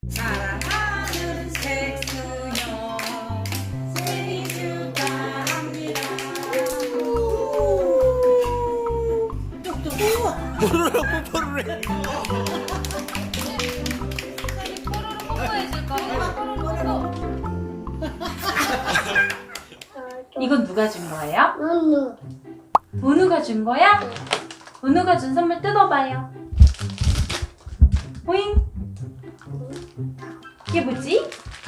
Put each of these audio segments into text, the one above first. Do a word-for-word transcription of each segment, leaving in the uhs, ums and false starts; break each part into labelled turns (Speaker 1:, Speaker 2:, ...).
Speaker 1: 사랑하는 색소녀 생일 축하합니다.
Speaker 2: 뽀로로 뽀뽀를 해.
Speaker 3: 이건 누가 준 거예요?
Speaker 4: 은우.
Speaker 3: 은우가 준 거야? 은우가 준 선물 뜯어봐요. 보잉. 이게 뭐지?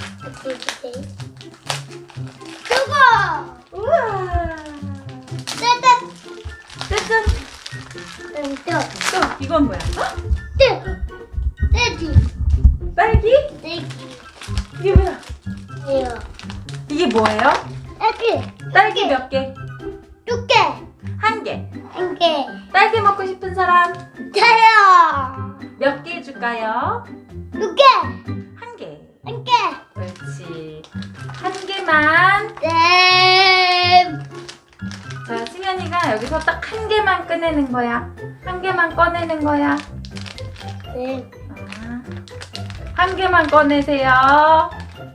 Speaker 4: 저거.
Speaker 3: 우와.
Speaker 4: 짜잔.
Speaker 3: 짜잔.
Speaker 4: 응, 또.
Speaker 3: 또 이건 뭐야? 어?
Speaker 4: 떼. 떼지.
Speaker 3: 딸기?
Speaker 4: 떼기.
Speaker 3: 이게 뭐야?
Speaker 4: 이거.
Speaker 3: 이게 뭐예요?
Speaker 4: 떼기.
Speaker 3: 딸기 몇 개?
Speaker 4: 두 개.
Speaker 3: 한 개.
Speaker 4: 한 개.
Speaker 3: 딸기 먹고 싶은 사람
Speaker 4: 저요.
Speaker 3: 몇 개 줄까요?
Speaker 4: 두 개.
Speaker 3: 한 개.
Speaker 4: 한 개.
Speaker 3: 그렇지. 한 개만.
Speaker 4: 네.
Speaker 3: 자, 승현이가 여기서 딱 한 개만 꺼내는 거야. 한 개만 꺼내는 거야.
Speaker 4: 네.
Speaker 3: 아, 한 개만 꺼내세요.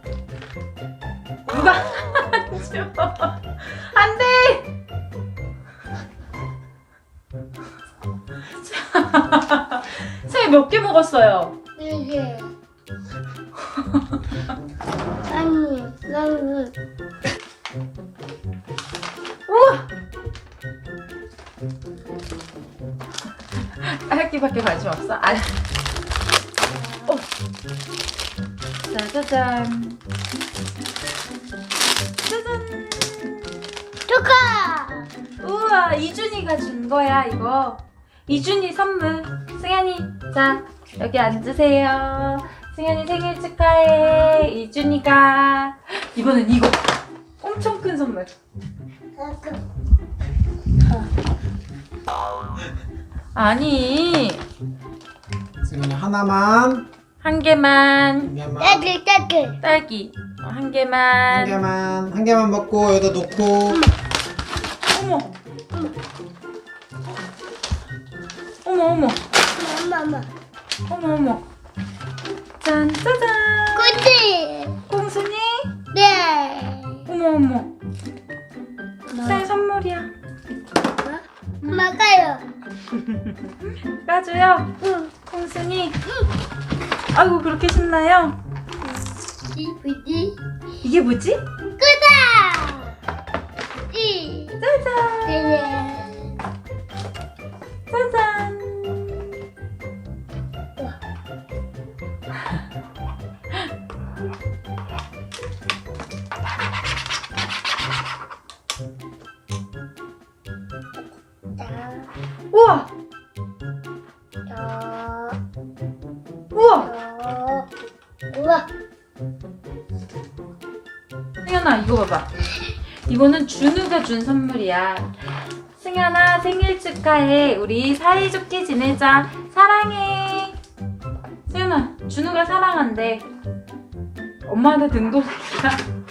Speaker 3: 누가 안 줘? 안 돼! 자, 승현이 몇 개 먹었어요?
Speaker 4: 네 개. 아니, 나는
Speaker 3: 우와! 딸기밖에 관심 없어? 아. 어. 짜자잔. 짜잔.
Speaker 4: 축하.
Speaker 3: 우와, 이준이가 준 거야, 이거. 이준이 선물. 승현이, 자, 여기 앉으세요. 승현이 생일 축하해. 이준이가. 이번엔 이거. 엄청 큰 선물. 아니,
Speaker 2: 승현이 하나만.
Speaker 3: 한 개만.
Speaker 2: 한 개만.
Speaker 4: 떼기, 떼기.
Speaker 3: 딸기. 어, 한
Speaker 2: 한
Speaker 3: 개만.
Speaker 2: 개만. 한 개만 먹고 여기다 놓고.
Speaker 3: 어머. 어머, 어머.
Speaker 4: 엄마, 엄마.
Speaker 3: 어머, 어머. 짠, 짜잔.
Speaker 4: 그치?
Speaker 3: 콩순이?
Speaker 4: 네.
Speaker 3: 어머, 어머. 새 선물이야.
Speaker 4: 엄마 가요.
Speaker 3: 까줘요.
Speaker 4: 응.
Speaker 3: 콩순이. 아이고, 그렇게 신나요?
Speaker 4: 이 뭐지?
Speaker 3: 이게 뭐지?
Speaker 4: 끄다. 이.
Speaker 3: 짜잔.
Speaker 4: 네.
Speaker 3: 짜잔. 우와!
Speaker 4: 저.
Speaker 3: 우와!
Speaker 4: 저. 우와.
Speaker 3: 승현아, 이거 봐봐. 이거는 준우가 준 선물이야. 승현아, 생일 축하해. 우리 사이좋게 지내자. 사랑해. 승현아, 준우가 사랑한대. 엄마한테 등도색이야.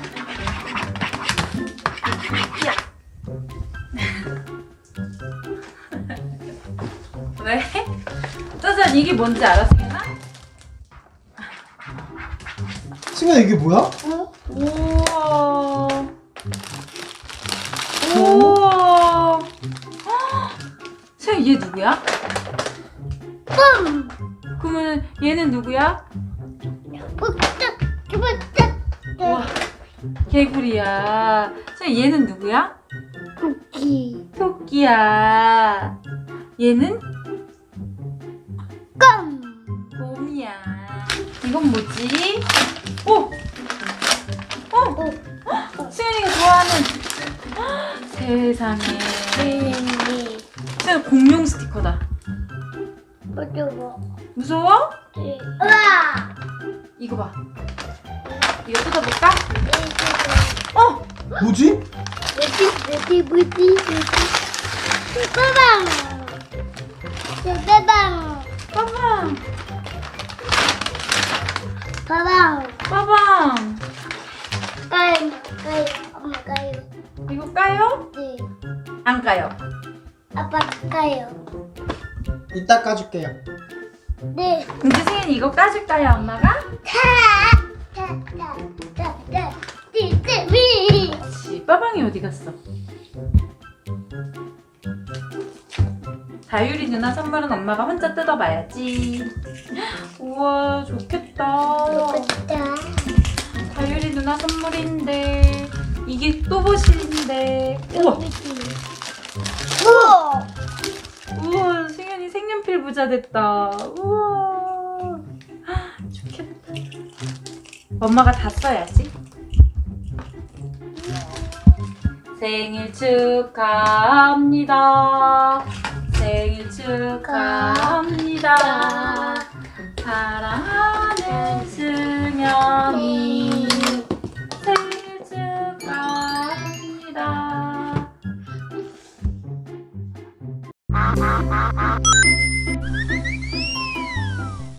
Speaker 3: 왜? 짜잔, 이게 뭔지 알아, 승현아?
Speaker 2: 승현아 이게 뭐야?
Speaker 3: 우와. 우와. 승현, 얘 누구야?
Speaker 4: 뿜.
Speaker 3: 그러면 얘는 누구야?
Speaker 4: 푹짝. 푹짝.
Speaker 3: 우와, 개구리야. 승현, 얘는 누구야?
Speaker 4: 쿠키.
Speaker 3: 토끼야. 얘는
Speaker 4: 껌.
Speaker 3: 곰이야. 이건 뭐지? 오! 어! 승현이가 좋아하는 세상에.
Speaker 4: 네.
Speaker 3: 승현, 공룡 스티커다.
Speaker 4: 어쩌고.
Speaker 3: 무서워?
Speaker 4: 네. 우와.
Speaker 3: 이거 봐. 이거 뜯어볼까? 어!
Speaker 2: 뭐지?
Speaker 4: 뭐지? 뭐지? 뭐지? 뭐지? 빠방. 빠방.
Speaker 3: 빠방!
Speaker 4: 빠방.
Speaker 3: 빠방!
Speaker 4: 까요. 까요. 엄마 까요.
Speaker 3: 이거 까요?
Speaker 4: 네.
Speaker 3: 안 까요?
Speaker 4: 아빠 까요.
Speaker 2: 이따 까줄게요.
Speaker 4: 네.
Speaker 3: 이제 승현이 이거 까줄까요, 엄마가?
Speaker 4: 타타타타타 띠띠미.
Speaker 3: 그치, 빠방이 어디 갔어? 다율이 누나 선물은 엄마가 혼자 뜯어봐야지. 우와, 좋겠다.
Speaker 4: 좋겠다.
Speaker 3: 다율이 누나 선물인데 이게 또봇인데. 우와,
Speaker 4: 우와.
Speaker 3: 우와, 승현이 색연필 부자 됐다. 우와, 좋겠다. 엄마가 다 써야지. 생일 축하합니다. 생일 축하합니다. 사랑하는 승현